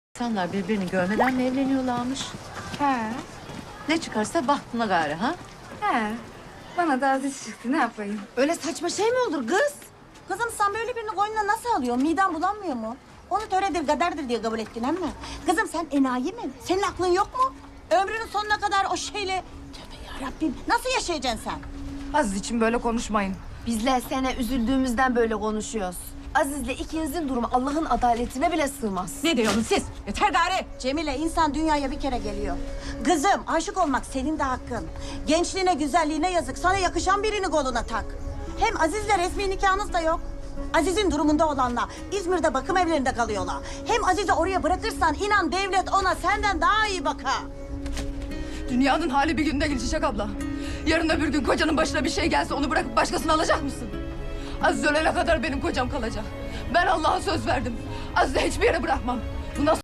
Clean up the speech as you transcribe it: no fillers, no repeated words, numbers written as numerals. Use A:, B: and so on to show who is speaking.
A: İnsanlar birbirini görmeden mi evleniyorlarmış?
B: He,
A: Ne çıkarsa bahtına gayrı ha?
B: he. Bana da aziz çıktı, ne yapayım?
C: Öyle saçma şey mi olur kız?
D: Kızım sen böyle birini koynuna nasıl alıyorsun? Miden bulanmıyor mu? Onu töredir, kaderdir diye kabul ettin ama. Kızım sen enayi mi? Senin aklın yok mu? Ömrünün sonuna kadar o şeyle... Tövbe yarabbim, nasıl yaşayacaksın sen?
B: Aziz için böyle konuşmayın.
C: Bizler sene üzüldüğümüzden böyle konuşuyoruz. Aziz'le ikinizin durumu Allah'ın adaletine bile sığmaz.
A: Ne diyorsunuz siz? Yeter gari.
D: Cemile, insan dünyaya bir kere geliyor. Kızım, aşık olmak senin de hakkın. Gençliğine, güzelliğine yazık. Sana yakışan birini koluna tak. Hem Aziz'le resmi nikahınız da yok. Aziz'in durumunda olanlar İzmir'de bakım evlerinde kalıyorlar. Hem Aziz'i oraya bırakırsan inan devlet ona senden daha iyi bakar.
E: Dünyanın hali bir günde gelişecek abla. Yarın öbür gün kocanın başına bir şey gelse onu bırakıp başkasını alacak mısın? Aziz ölene kadar benim kocam kalacak. Ben Allah'a söz verdim. Aziz'i hiçbir yere bırakmam. Bundan